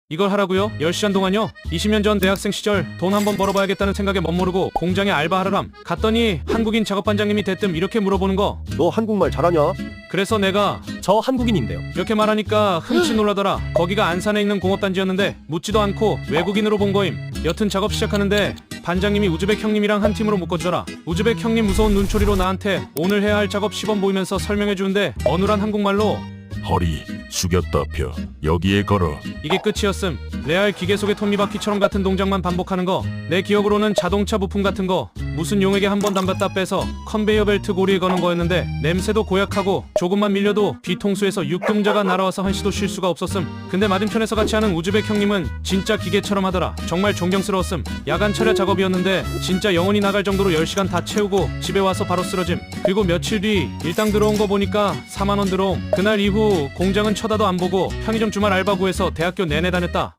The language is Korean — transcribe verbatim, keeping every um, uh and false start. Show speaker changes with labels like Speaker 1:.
Speaker 1: 이걸 하라고요? 열 시간 동안요? 이십 년 전 대학생 시절 돈 한번 벌어봐야겠다는 생각에 멋모르고 공장에 알바하러람 갔더니 한국인 작업반장님이 대뜸 이렇게 물어보는 거.
Speaker 2: 너 한국말 잘하냐?
Speaker 1: 그래서 내가
Speaker 3: 저 한국인인데요.
Speaker 1: 이렇게 말하니까 흠칫 놀라더라. 거기가 안산에 있는 공업단지였는데 묻지도 않고 외국인으로 본 거임. 여튼 작업 시작하는데 반장님이 우즈벡 형님이랑 한 팀으로 묶어주더라. 우즈벡 형님 무서운 눈초리로 나한테 오늘 해야 할 작업 시범 보이면서 설명해주는데 어눌한 한국말로
Speaker 4: 허리 숙였다 펴 여기에 걸어.
Speaker 1: 이게 끝이었음. 레알 기계 속의 톱니바퀴처럼 같은 동작만 반복하는 거. 내 기억으로는 자동차 부품 같은 거 무슨 용에게 한 번 담갔다 빼서 컨베이어 벨트 고리에 거는 거였는데 냄새도 고약하고 조금만 밀려도 뒤통수에서 육금자가 날아와서 한시도 쉴 수가 없었음. 근데 맞은편에서 같이 하는 우즈벡 형님은 진짜 기계처럼 하더라. 정말 존경스러웠음. 야간 철야 작업이었는데 진짜 영혼이 나갈 정도로 열 시간 다 채우고 집에 와서 바로 쓰러짐. 그리고 며칠 뒤 일당 들어온 거 보니까 사만 원 들어옴. 그날 이후 공장은 쳐다도 안 보고 편의점 주말 알바 구해서 대학교 내내 다녔다.